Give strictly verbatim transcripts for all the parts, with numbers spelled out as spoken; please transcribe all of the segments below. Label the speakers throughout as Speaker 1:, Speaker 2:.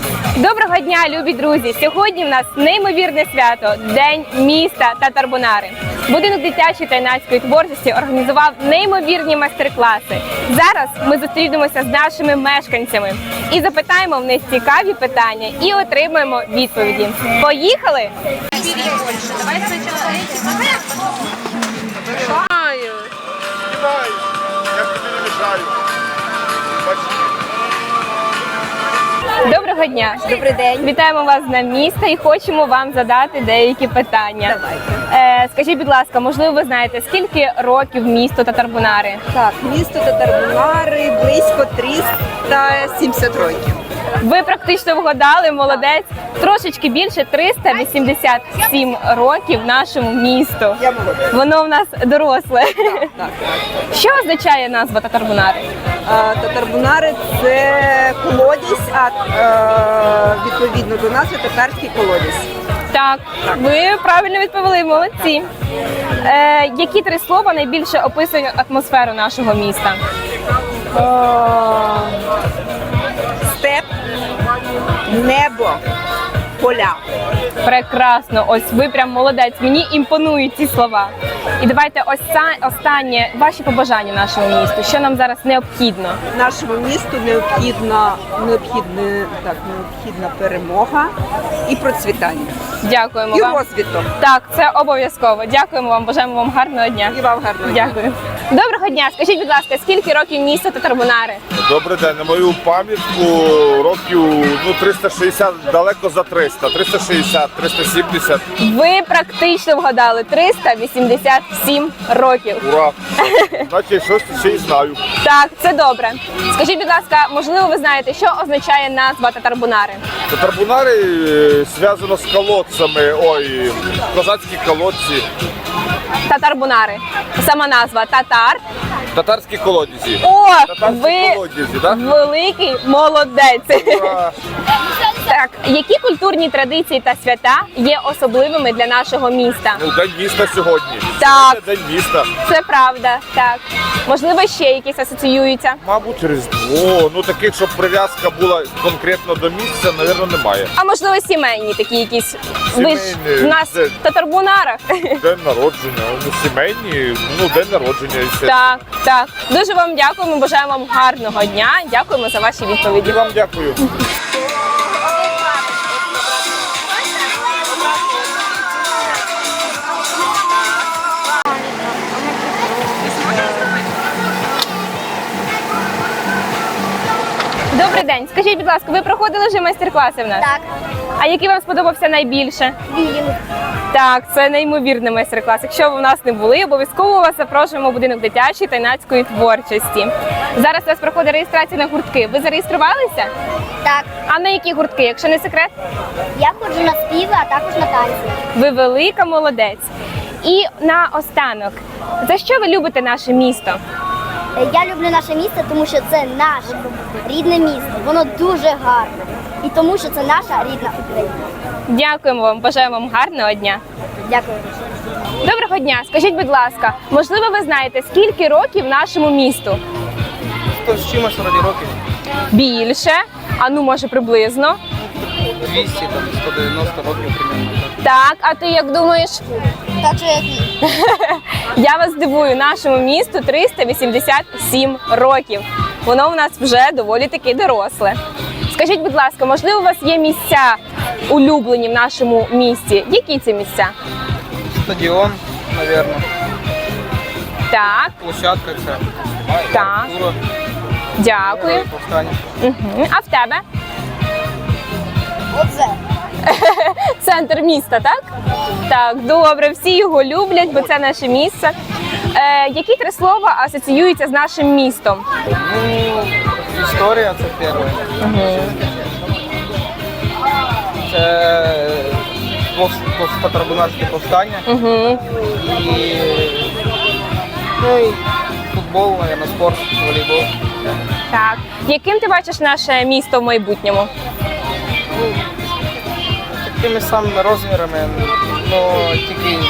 Speaker 1: Доброго дня, любі друзі! Сьогодні в нас неймовірне свято – День міста Татарбунари. Будинок дитячої та юнацької творчості організував неймовірні майстер-класи. Зараз ми зустрінемося з нашими мешканцями і запитаємо в них цікаві питання і отримаємо відповіді. Поїхали! Доброго дня!
Speaker 2: Добрий день!
Speaker 1: Вітаємо вас з Днем міста і хочемо вам задати деякі питання.
Speaker 2: Давайте.
Speaker 1: Е, скажіть, будь ласка, можливо, ви знаєте, скільки років місту Татарбунари?
Speaker 2: Так, місто Татарбунари близько триста сімдесят років.
Speaker 1: Ви практично вгадали, молодець. Трошечки більше триста вісімдесят сім років нашому місту.
Speaker 2: Я молодець.
Speaker 1: Воно в нас доросле.
Speaker 2: Так, так.
Speaker 1: Що означає назва Татарбунари?
Speaker 2: А, Татарбунари – це колодязь, а е, відповідно до назви татарський колодязь.
Speaker 1: Так, ви правильно відповіли, молодці. Е, які три слова найбільше описують атмосферу нашого міста?
Speaker 2: О, степ, небо, поля.
Speaker 1: Прекрасно, ось ви прям молодець, мені імпонують ці слова. І давайте ось це останнє, ваші побажання нашому місту, що нам зараз необхідно?
Speaker 2: Нашому місту необхідна, необхідна, так, необхідна перемога і процвітання.
Speaker 1: Дякуємо
Speaker 2: І
Speaker 1: вам.
Speaker 2: розвиток.
Speaker 1: Так, це обов'язково. Дякуємо вам, бажаємо вам гарного дня.
Speaker 2: І вам гарного дня.
Speaker 1: Дякую. Доброго дня, скажіть, будь ласка, скільки років місту Татарбунари?
Speaker 3: Добрий день. На мою пам'ятку років ну, триста шістдесят, далеко за триста. триста шістдесят, триста сімдесят.
Speaker 1: Ви практично вгадали триста вісімдесят сім років.
Speaker 3: Ура! Значить, щось ще й знаю.
Speaker 1: Так, це добре. Скажіть, будь ласка, можливо, ви знаєте, що означає назва Татарбунари?
Speaker 3: Татарбунари е, зв'язано з колодцями. Ой, козацькі колодці.
Speaker 1: Татарбунари. Сама назва Татар.
Speaker 3: Татарські колодязі.
Speaker 1: О,
Speaker 3: Татарські
Speaker 1: ви
Speaker 3: колодязі, так?
Speaker 1: великий молодець.
Speaker 3: Ура!
Speaker 1: Так, які культурні традиції та свята є особливими для нашого міста?
Speaker 3: Ну, День міста сьогодні.
Speaker 1: Так.
Speaker 3: Сьогодні День міста.
Speaker 1: Це правда, так. Можливо, ще якісь асоціюються?
Speaker 3: Мабуть, Різдво. Ну, таких, щоб прив'язка була конкретно до місця, мабуть, немає.
Speaker 1: А можливо, сімейні такі якісь? Ви ж
Speaker 3: Сімейні,
Speaker 1: в нас
Speaker 3: це-
Speaker 1: в Татарбунарах.
Speaker 3: День народження, ну, сімейні, ну, день народження. І все.
Speaker 1: Так, так. Дуже вам дякуємо, бажаємо вам гарного дня. Дякуємо за ваші
Speaker 3: І
Speaker 1: відповіді.
Speaker 3: вам дякую.
Speaker 1: Добрий день. Скажіть, будь ласка, ви проходили вже майстер-класи в нас?
Speaker 4: Так,
Speaker 1: А який вам сподобався найбільше?
Speaker 4: він.
Speaker 1: Так, це неймовірний майстер-клас. Якщо ви в нас не були, обов'язково вас запрошуємо в будинок дитячої та юнацької творчості. Зараз у вас проходить реєстрація на гуртки. Ви зареєструвалися?
Speaker 4: Так,
Speaker 1: А на які гуртки, якщо не секрет?
Speaker 4: я ходжу на співи, а також на танці.
Speaker 1: Ви велика молодець. І наостанок, за що ви любите наше місто?
Speaker 4: Е, Я люблю наше місто, тому що це наше рідне місто. Воно дуже гарне. І тому що це наша рідна Україна.
Speaker 1: Дякуємо вам, бажаємо вам гарного дня.
Speaker 4: Дякую.
Speaker 1: Доброго дня. Скажіть, будь ласка, можливо, ви знаєте, скільки років нашому місту?
Speaker 5: сто з чимось вроді років.
Speaker 1: Більше? А ну, може, приблизно?
Speaker 5: двісті, там, сто дев'яносто років примерно.
Speaker 1: Так, а ти як думаєш?
Speaker 4: Так що як ні.
Speaker 1: Я вас здивую, нашому місту триста вісімдесят сім років. Воно у нас вже доволі таки доросле. Скажіть, будь ласка, можливо, у вас є місця улюблені в нашому місті? Які це місця?
Speaker 5: Стадіон, мабуть.
Speaker 1: Так,
Speaker 5: Площадка це.
Speaker 1: Так.
Speaker 5: Архітектура,
Speaker 1: дякую.
Speaker 5: повстання.
Speaker 1: Угу. А в тебе?
Speaker 4: Оце.
Speaker 1: Центр міста, так? Так, добре, всі його люблять, бо це наше місце. Е, які три слова асоціюються з нашим містом?
Speaker 5: Ну, історія це перше. Це пос- пос- татарбунарське повстання.
Speaker 1: Угу.
Speaker 5: І, ну, і футбол, мабуть, спорт, волейбол.
Speaker 1: Так. Яким ти бачиш наше місто в майбутньому?
Speaker 5: Такими самими розмірами, ну тільки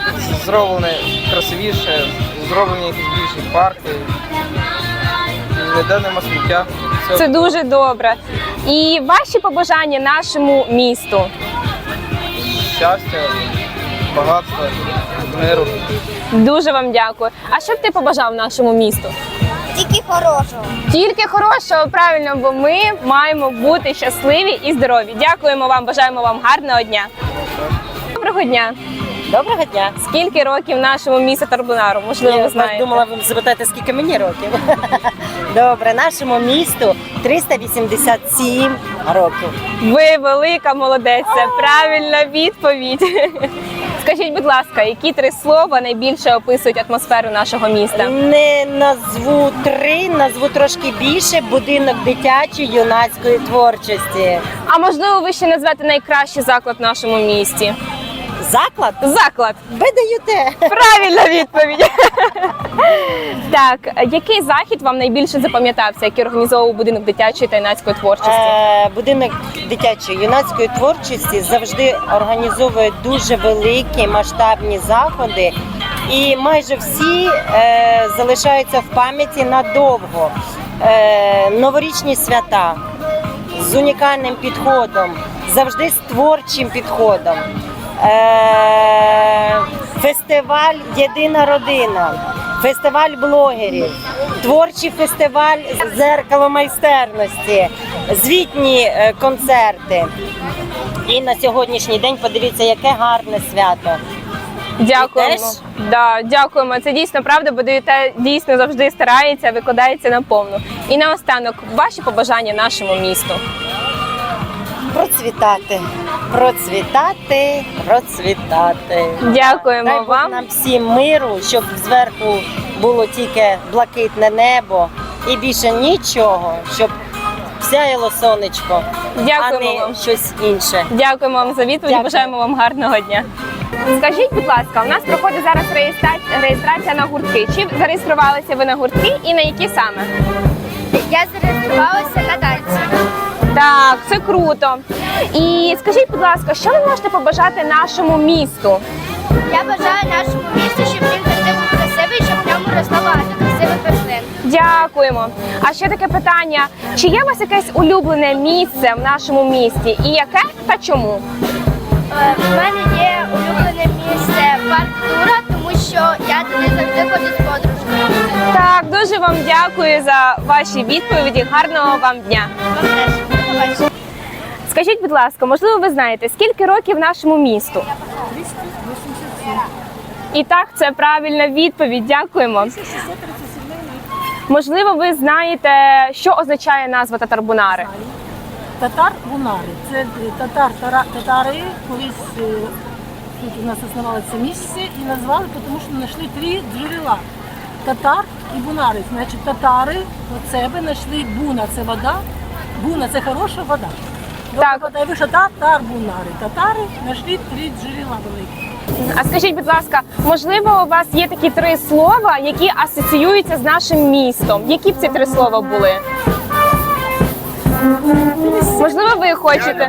Speaker 5: зроблене красивіше, зроблені якісь більші парки. ніде нема сміття. Все
Speaker 1: Це дуже добре. І ваші побажання нашому місту.
Speaker 5: щастя, багатства, миру.
Speaker 1: Дуже вам дякую. А що б ти побажав нашому місту?
Speaker 4: Тільки хорошого.
Speaker 1: Тільки хорошого, правильно, бо ми маємо бути щасливі і здорові. Дякуємо вам, бажаємо вам гарного дня. Доброго дня.
Speaker 6: Доброго дня.
Speaker 1: Скільки років нашому місту Тарбунару? Можливо, ви
Speaker 6: Я
Speaker 1: знаєте.
Speaker 6: думала, ви запитаєте, скільки мені років. Добре, нашому місту триста вісімдесят сім років.
Speaker 1: Ви велика молодець, це правильна відповідь. Скажіть, будь ласка, які три слова найбільше описують атмосферу нашого міста?
Speaker 6: Не назву три, назву трошки більше. Будинок дитячої юнацької творчості.
Speaker 1: А можливо, ви ще назвете найкращий заклад в нашому місті?
Speaker 6: Заклад?
Speaker 1: Заклад.
Speaker 6: Ви даєте.
Speaker 1: Правильна відповідь. Так, який захід вам найбільше запам'ятався, який організовував будинок дитячої та юнацької творчості?
Speaker 6: Е, Будинок дитячої юнацької творчості завжди організовує дуже великі масштабні заходи, і майже всі е, залишаються в пам'яті надовго. Е, новорічні свята з унікальним підходом, завжди з творчим підходом. Е, Фестиваль Єдина родина, фестиваль блогерів, творчий фестиваль «Зеркало майстерності», звітні е, концерти. І на сьогоднішній день подивіться, яке гарне свято.
Speaker 1: Дякуємо.
Speaker 6: теж?
Speaker 1: Да, дякуємо. Це дійсно правда, бо ДЮТ дійсно завжди старається, викладається наповну. І наостанок, ваші побажання нашому місту.
Speaker 6: Процвітати, процвітати, процвітати.
Speaker 1: Дякуємо
Speaker 6: Дай Бог
Speaker 1: вам.
Speaker 6: нам всім миру, щоб зверху було тільки блакитне небо і більше нічого, щоб сяяло сонечко,
Speaker 1: Дякуємо
Speaker 6: а не
Speaker 1: вам.
Speaker 6: щось інше.
Speaker 1: Дякуємо вам за відповідь.
Speaker 6: Дякую.
Speaker 1: Бажаємо вам гарного дня. Скажіть, будь ласка, у нас проходить зараз реєстрація, реєстрація на гуртки. Чи зареєструвалися ви на гуртки і на які саме?
Speaker 4: Я зареєструвалася на танці.
Speaker 1: Так, це круто. І скажіть, будь ласка, що ви можете побажати нашому місту?
Speaker 4: Я бажаю нашому місту, щоб він завжди був красивий, щоб в ньому росло багато красивих рослин.
Speaker 1: Дякуємо. А ще таке питання: чи є у вас якесь улюблене місце в нашому місті? І яке та чому?
Speaker 4: Е, В мене є улюблене місце парк Тура, тому що я туди завжди ходжу з подружкою.
Speaker 1: Так, дуже вам дякую за ваші відповіді. Гарного вам дня.
Speaker 4: Вам теж. До побачення.
Speaker 1: Скажіть, будь ласка, можливо, ви знаєте, скільки років нашому місту? І так, це правильна відповідь. Дякуємо. Можливо, ви знаєте, що означає назва Татарбунари?
Speaker 7: Татар-бунари. Це татар, тара- татари колись е, тут у нас існувало це місце і назвали, тому що знайшли три джерела. Татар і бунари. Значить, татари від себе знайшли буна, це вода, буна це хороша вода. Добра
Speaker 1: Так.
Speaker 7: вода і вийшла татар-бунари. Татари знайшли три джерела великі.
Speaker 1: А скажіть, будь ласка, можливо, у вас є такі три слова, які асоціюються з нашим містом? Які б ці три слова були? Можливо, ви хочете?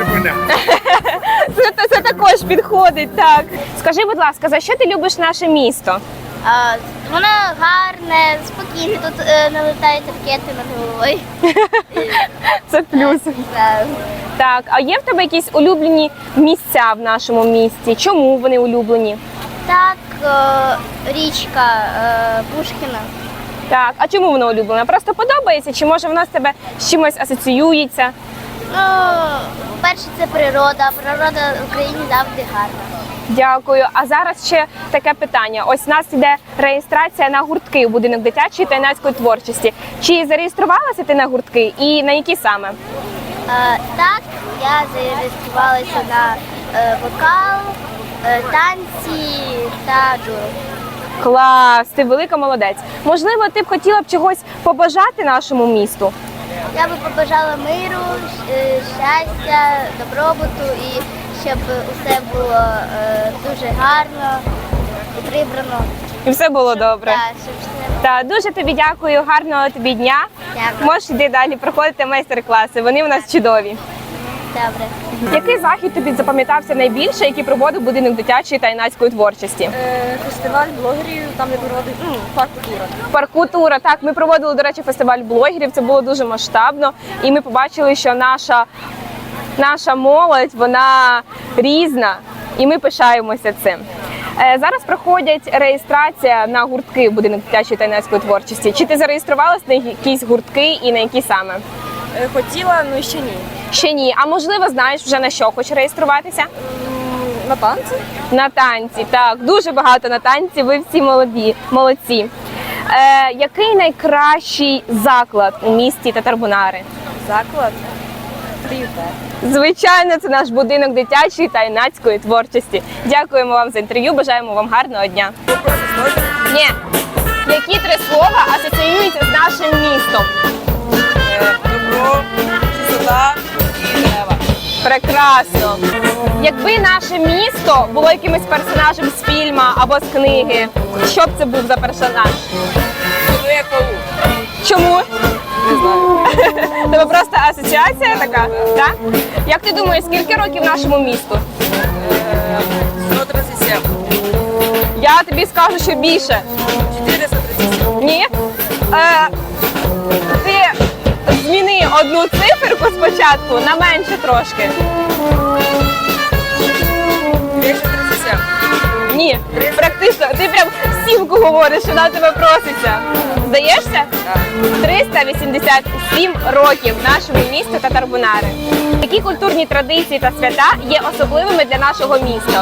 Speaker 1: Це, це також підходить, так. Скажи, будь ласка, за що ти любиш наше місто?
Speaker 4: А, Воно гарне, спокійне, тут е, не летають ракети над головою.
Speaker 1: Це плюс.
Speaker 4: Е,
Speaker 1: Так, а є в тебе якісь улюблені місця в нашому місті? Чому вони улюблені?
Speaker 4: Так, е, річка е, Пушкіна.
Speaker 1: Так, а чому вона улюблена? Просто подобається? Чи може вона з тебе з чимось асоціюється?
Speaker 4: Ну, по-перше, це природа. Природа в Україні завжди гарна.
Speaker 1: Дякую. А зараз ще таке питання. Ось у нас йде реєстрація на гуртки у будинок дитячої та юнацької творчості. Чи зареєструвалася ти на гуртки і на які саме?
Speaker 4: Е, так, я зареєструвалася на е, вокал, е, танці та джуру.
Speaker 1: Клас, ти велика молодець. Можливо, ти б хотіла б чогось побажати нашому місту?
Speaker 4: Я би побажала миру, щ- щастя, добробуту і щоб усе було е, дуже гарно і прибрано.
Speaker 1: І все було добре.
Speaker 4: Так, щоб все
Speaker 1: Та дуже тобі дякую, гарного тобі дня.
Speaker 4: Дякую.
Speaker 1: Можеш йти далі проходити майстер-класи. Вони у нас чудові.
Speaker 4: Добре.
Speaker 1: Який захід тобі запам'ятався найбільше, який проводив будинок дитячої та юнацької творчості?
Speaker 2: Фестиваль блогерів, там де проводить ну, парк культура.
Speaker 1: Паркутура. Так, ми проводили, до речі, фестиваль блогерів. Це було дуже масштабно, і ми побачили, що наша, наша молодь, вона різна, і ми пишаємося цим. Е, Зараз проходять реєстрація на гуртки в будинок дитячої та юнацької творчості. Чи ти зареєструвалась на якісь гуртки і на які саме?
Speaker 2: Хотіла, ну ще ні.
Speaker 1: Ще ні. А можливо, знаєш вже на що хочеш реєструватися?
Speaker 2: На танці?
Speaker 1: На танці, так, дуже багато на танці, ви всі молоді, молодці. Е, який найкращий заклад у місті Татарбунари?
Speaker 2: Заклад. Приютер.
Speaker 1: Звичайно, це наш будинок дитячої та юнацької творчості. Дякуємо вам за інтерв'ю, бажаємо вам гарного дня. Ні. Які три слова асоціюються з нашим містом?
Speaker 2: Добро, чистота і дерева.
Speaker 1: Прекрасно. Якби наше місто було якимось персонажем з фільму або з книги, що б це був за персонаж?
Speaker 2: Чоловік паук.
Speaker 1: Чому? Тебе просто асоціація така, так? Як ти думаєш, скільки років нашому місту?
Speaker 2: сто тридцять сім.
Speaker 1: Я тобі скажу, що більше.
Speaker 2: чотириста тридцять сім.
Speaker 1: Ні? Е, ти зміни одну циферку спочатку на менше трошки.
Speaker 2: двісті тридцять сім.
Speaker 1: Ні, практично. Ти прям сімку говориш, вона тебе проситься. Здаєшся?
Speaker 2: Так.
Speaker 1: триста вісімдесят сім років нашому місту Татарбунари. Які культурні традиції та свята є особливими для нашого міста?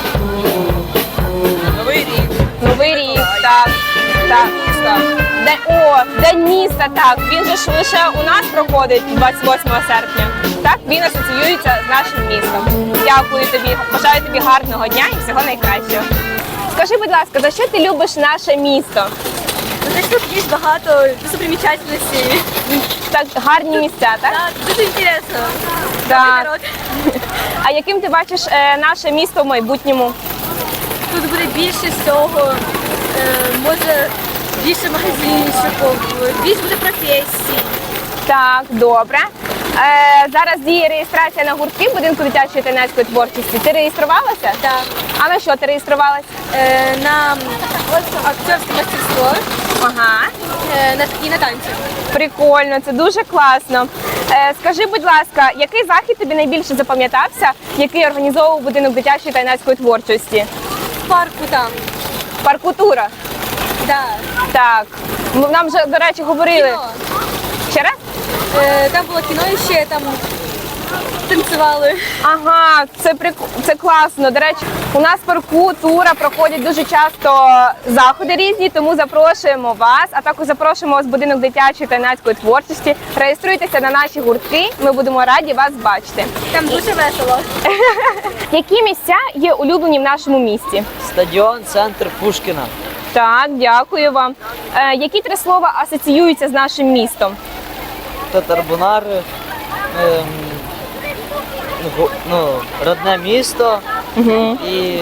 Speaker 2: Новий рік.
Speaker 1: Новий рік, так. так.
Speaker 2: Міста.
Speaker 1: Де, о, День міста, так. Він же ж лише у нас проходить двадцять восьмого серпня. Так, він асоціюється з нашим містом. Дякую тобі, бажаю тобі гарного дня і всього найкращого. Скажи, будь ласка, за що ти любиш наше місто?
Speaker 2: Десь тут є багато достопримічательностей.
Speaker 1: Так, гарні місця, так?
Speaker 2: Так, дуже інтересно.
Speaker 1: Так. А яким ти бачиш е, наше місто в майбутньому?
Speaker 2: Тут буде більше всього, е, може більше магазинчиків, більше буде професій.
Speaker 1: Так, добре. Е, зараз діє реєстрація на гуртки в будинку дитячої та юнацької творчості. Ти реєструвалася?
Speaker 2: Так.
Speaker 1: А на що ти реєструвалась?
Speaker 2: Е, на акторське мастерство
Speaker 1: Ага.
Speaker 2: е, на, і на танці.
Speaker 1: Прикольно, це дуже класно. Е, скажи, будь ласка, який захід тобі найбільше запам'ятався, який організовував будинок дитячої та юнацької творчості?
Speaker 2: В парку там.
Speaker 1: Паркутура.
Speaker 2: Да.
Speaker 1: Так. М- Нам вже, до речі, говорили.
Speaker 2: Кіно.
Speaker 1: Ще раз?
Speaker 2: Е, там було кіно і ще там танцювали.
Speaker 1: Ага, це прик... це класно. До речі, у нас парку тура проходять дуже часто заходи різні, тому запрошуємо вас, а також запрошуємо вас в будинок дитячої та юнацької творчості. Реєструйтеся на наші гуртки. Ми будемо раді вас бачити.
Speaker 2: Там дуже весело.
Speaker 1: Які місця є улюблені в нашому місті?
Speaker 5: Стадіон, центр Пушкіна.
Speaker 1: Так, дякую вам. Е, які три слова асоціюються з нашим містом?
Speaker 5: Татарбунари, ем, гу- ну, родне місто
Speaker 1: Угу.
Speaker 5: і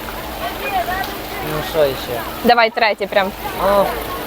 Speaker 5: ну що ще?
Speaker 1: Давай третє прям.
Speaker 5: О,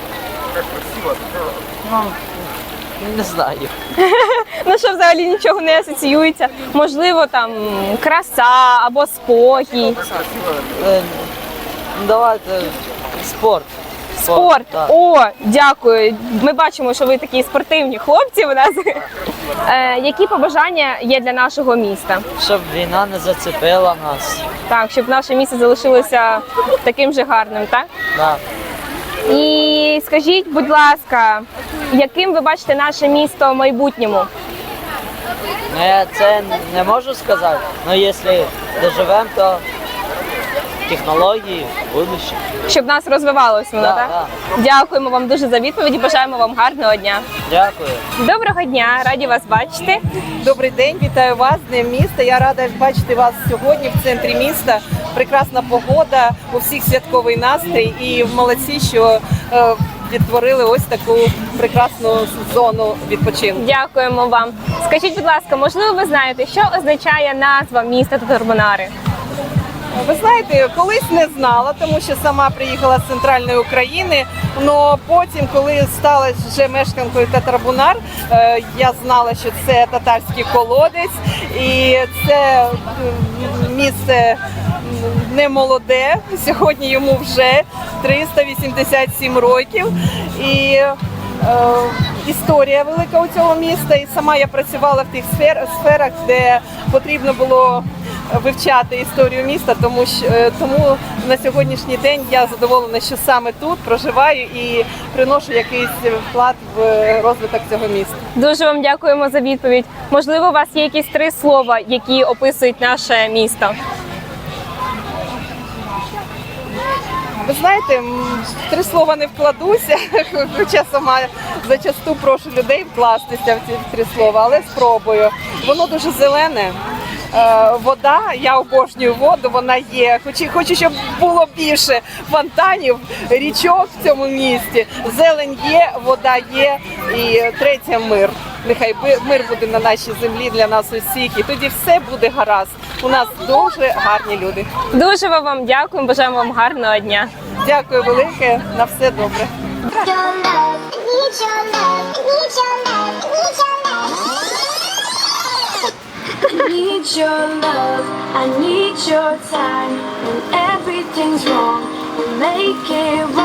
Speaker 5: ну, не знаю.
Speaker 1: Ну що взагалі нічого не асоціюється. Можливо, там краса або спокій.
Speaker 5: Е, ну, давайте спорт.
Speaker 1: Спорт.
Speaker 5: так.
Speaker 1: О, дякую. Ми бачимо, що ви такі спортивні хлопці у нас. Е, які побажання є для нашого міста?
Speaker 5: Щоб війна не зацепила нас.
Speaker 1: Так, щоб наше місто залишилося таким же гарним, так?
Speaker 5: Да.
Speaker 1: І скажіть, будь ласка, яким ви бачите наше місто в майбутньому?
Speaker 5: Ну, я це не можу сказати, але якщо доживемо, то технології, будущее.
Speaker 1: Щоб нас розвивалося воно,
Speaker 5: Да,
Speaker 1: так?
Speaker 5: да.
Speaker 1: Дякуємо вам дуже за відповіді. Бажаємо вам гарного дня.
Speaker 5: Дякую.
Speaker 1: Доброго дня, раді вас бачити.
Speaker 8: Добрий день, вітаю вас з Днем міста. Я рада бачити вас сьогодні в центрі міста. Прекрасна погода, у всіх святковий настрій і молодці, що е, відтворили ось таку прекрасну зону відпочинку.
Speaker 1: Дякуємо вам. Скажіть, будь ласка, можливо, ви знаєте, що означає назва міста Татарбунари?
Speaker 8: Ви знаєте, колись не знала, тому що сама приїхала з центральної України, Но потім, коли стала вже мешканкою Татарбунар, е, я знала, що це татарський колодець, і це м, місце не молоде. Сьогодні йому вже триста вісімдесят сім років. І е, історія велика у цього міста. І сама я працювала в тих сфер, сферах, де потрібно було вивчати історію міста, тому що е, тому на сьогоднішній день я задоволена, що саме тут проживаю і приношу якийсь вклад в розвиток цього міста.
Speaker 1: Дуже вам дякуємо за відповідь. Можливо, у вас є якісь три слова, які описують наше місто?
Speaker 8: Ви знаєте, м, в три слова не вкладуся, хоча сама зачасту прошу людей вкластися в ці три слова, але спробую. Воно дуже зелене. Е, Вода, я обожнюю воду, вона є. Хочу, хочу, щоб було більше фонтанів, річок в цьому місті. Зелень є, вода є, і третє мир. Нехай би- мир буде на нашій землі для нас усіх, і тоді все буде гаразд. У нас дуже гарні люди.
Speaker 1: Дуже вам дякуємо, бажаємо вам гарного дня.
Speaker 8: Дякую велике, на все добре.
Speaker 9: Need your love, I need your time. When everything's wrong, we'll make it right.